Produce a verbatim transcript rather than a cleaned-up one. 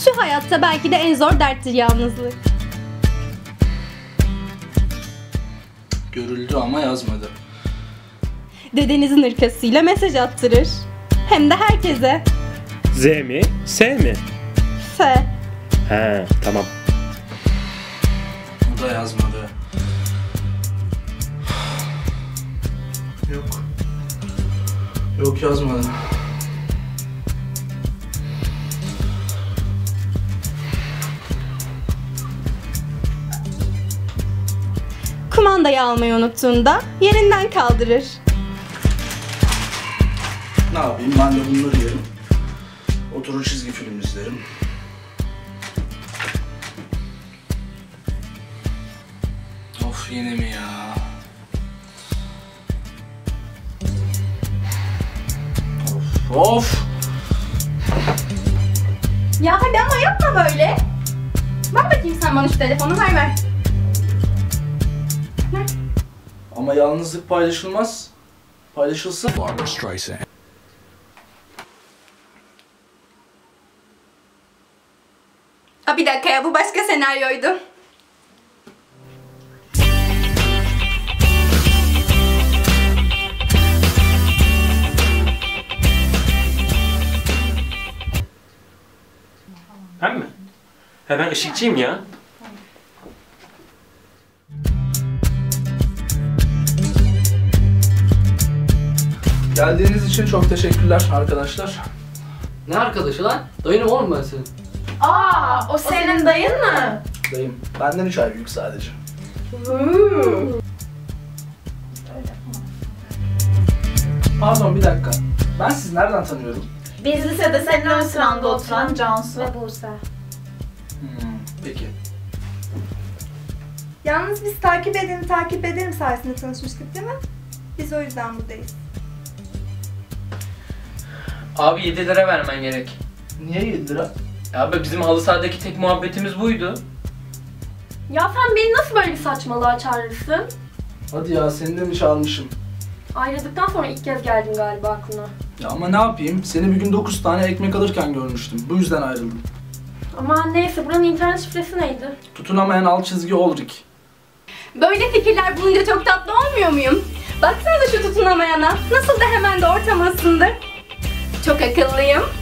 Şu hayatta belki de en zor derttir yalnızlık. Görüldü ama yazmadı. Dedenizin hırkasıyla mesaj attırır. Hem de herkese. Z mi? S mi? F. He, tamam. O da yazmadı. Yok. Yok, yazmadı. Kumandayı almayı unuttuğunda yerinden kaldırır. Ne yapayım, ben de bunları yerim. Oturur çizgi film izlerim. Of, yine mi ya? Of of! Ya hadi ama yapma böyle. Ver bakayım sen bana şu telefonu, ver ver. Ver. Ama yalnızlık paylaşılmaz. Paylaşılsın. Barbra Streisand. Aa, bir dakika ya, bu başka senaryoydu. Ben mi? He, ben ışıkçıyım ya. Geldiğiniz için çok teşekkürler arkadaşlar. Ne arkadaşı lan? Dayınım oğlum ben senin. Aa, o senin dayın mı? Dayım, benden üç ay büyük sadece. Pardon, bir dakika. Ben sizi nereden tanıyorum? Biz lisede senin ön sıranda oturan Cansu. Ve Buse. Hmm, peki. Yalnız biz takip edin, takip ederim sayesinde tanışmıştık değil mi? Biz o yüzden buradayız. Abi yedi lira vermen gerek. Niye yedi lira? Abi bizim halı sahadaki tek muhabbetimiz buydu. Ya sen beni nasıl böyle bir saçmalığa çağırırsın? Hadi ya, seni de mi çalmışım? Ayrıldıktan sonra ilk kez geldin galiba aklına. Ya ama ne yapayım? Seni bir gün dokuz tane ekmek alırken görmüştüm. Bu yüzden ayrıldım. Ama neyse, buranın internet şifresi neydi? Tutunamayan alt çizgi Olrik. Böyle fikirler bulunca çok tatlı olmuyor muyum? Baksanıza şu tutunamayana. Nasıl da hemen de ortam ısındı. Çok akıllıyım.